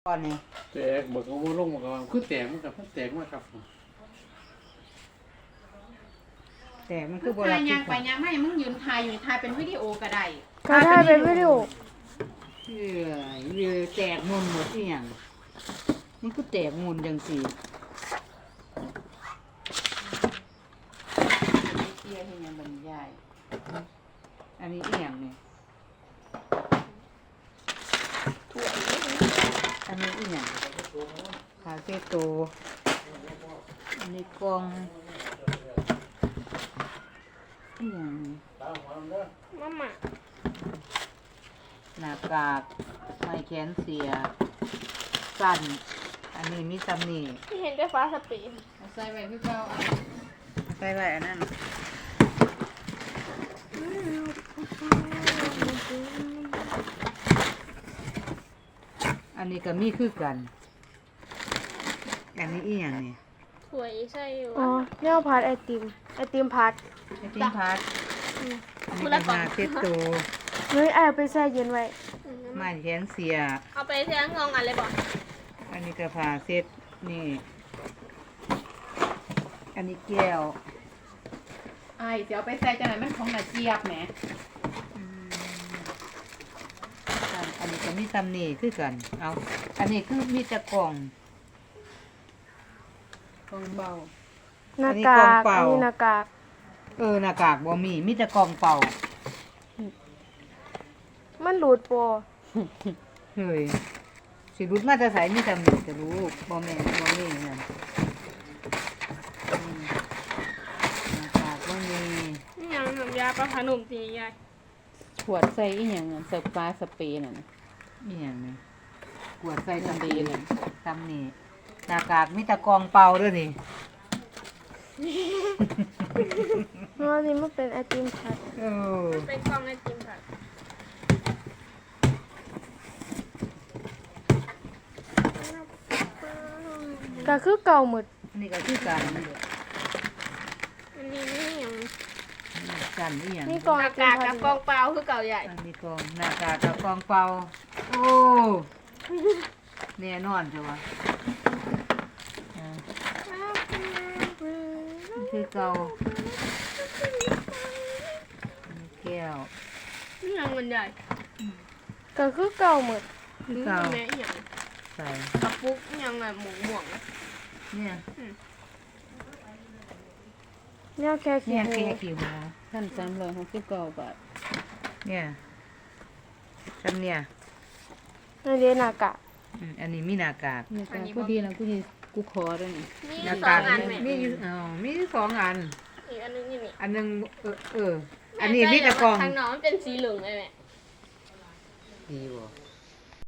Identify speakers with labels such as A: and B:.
A: ก่อนนี่
B: แตกบอกว่าลงบอกว่าคือแตกมันกับแตกมากครับ
A: แต่มันคือโบรา
C: ถ่าย
A: ณ
C: ยางไปยางไม่มึงยืนถ่ายอยู่ถ่ายเป็นวิดีโอก็ได้
D: ก็ได้เป็นวิดีโอ
A: เรือแตกมุนหมดที่อย่างนี่คือแตกมุนจังสี
C: เกียร์ที่ยังบรรยาย
A: อันนี้เอียงเนี่ยอันนี้เอียงคาเฟ่โตอันนี้กล่องเอียงนี่
D: มาม่า
A: หน้ากากไม้แขนเสียสั้นอันนี้มีตำหนิ
D: ที่เห็นได้ฟ้าสปีน
C: เอาใส่ไว้พี่เป้าอ่ะ
A: ไปไว้อันนั้นอันนี้ก็มีคือกัน อันนี้อีหยังนี่
D: สวยใช่อยู่อ๋อเนี่ยพัดไอติมพัด
A: ไอติมพัด
D: อืม
A: อันนี้ก็มาเซ็ตโต
D: เฮ้ยไอเอาไปแช่เย็นไว้
A: ไม้แขนเสีย
D: เอาไปแช่งองอันเลยบอก
A: อันนี้ก็ผ้าเซ็ตนี่ อันนี้แก้ว
C: ไอ้เดี๋ยวไปใส่จังไหนมันของหน้าเจี๊ยบแหม
A: อันนี้ก็มีตำหนิคือกัน เอา อันนี้คือมีแต่กล่อง
C: กองเบา
D: หน้ากาก
A: อั
D: อั
A: น
D: น
A: นี้
D: นี้
A: กล่องเปล่า
D: หน้ากาก
A: หน้ากากบ่มีแต่กล่องเปล่า
D: มันหลุดโป
A: เฮ้ยสิรุดมาจะใส่มีตำหนิจะรู้บ่แม่นบ่มีนั่นหน้ากากบ่มี
D: นี่ยังน้ำยาปลาขนมตีใหญ่
C: ขวดใส่อีหยังอ่ะใส่ปลาสเปรย์น่ะ
A: นี่หยังนี่กวดใส่
C: ตำ
A: ตำ
C: ดี
A: ดี
C: น่ะ
A: ตำนี่หน้ากากมีแต่กล่องเปล่าเด้อนี่
D: เพราะว่านี่มันเป็นไอติมพัด
A: เออ
D: เป็นกล่องไอติมพัด ก็คือเก่าหมด
A: อันนี้ก็คือกันนี่แหละ
D: อันนี้นี่ยัง
A: กันนี่หยัง
D: นี่กล่องไอติมพัดกับกล่องเปล่าคือเก่าใหญ่
A: อันนี้กล่องหน้ากากกับกล่องเปล่าโอ้แน่นอนจ้ะวะอ่านี่คือเก่าอันนี้แก้ว
D: นี่ยังมันใหญ่ก็คือเก่าหมด
A: คือเก่า
D: แม่ยัง
A: ใส่
D: กระปุกยังไงหมูหม่วง
A: เนี่ย
D: เนี่ยแค่ขี้
A: เนี่ย
D: หมู
A: แค่กี่หัว
C: ท่าน369 บาท
A: เนี่ยซ้ำเนี่ย
D: อันนี้หน้ากาก
A: อันนี้มีหน้ากาก
C: นี่ก็พอดีนะกูขอด้วยนี่
D: มี
A: หน้า
D: สอก
A: าง ก
D: อันแม่
A: มีอยู่มีอยู่สองอัน
D: อีกอันนึงนี่นี่
A: อันหนึงอันนี้มีแต่กล่อง
D: ทางน้องมันเป็นสีเหลืองเลยแม่
A: ดีบ่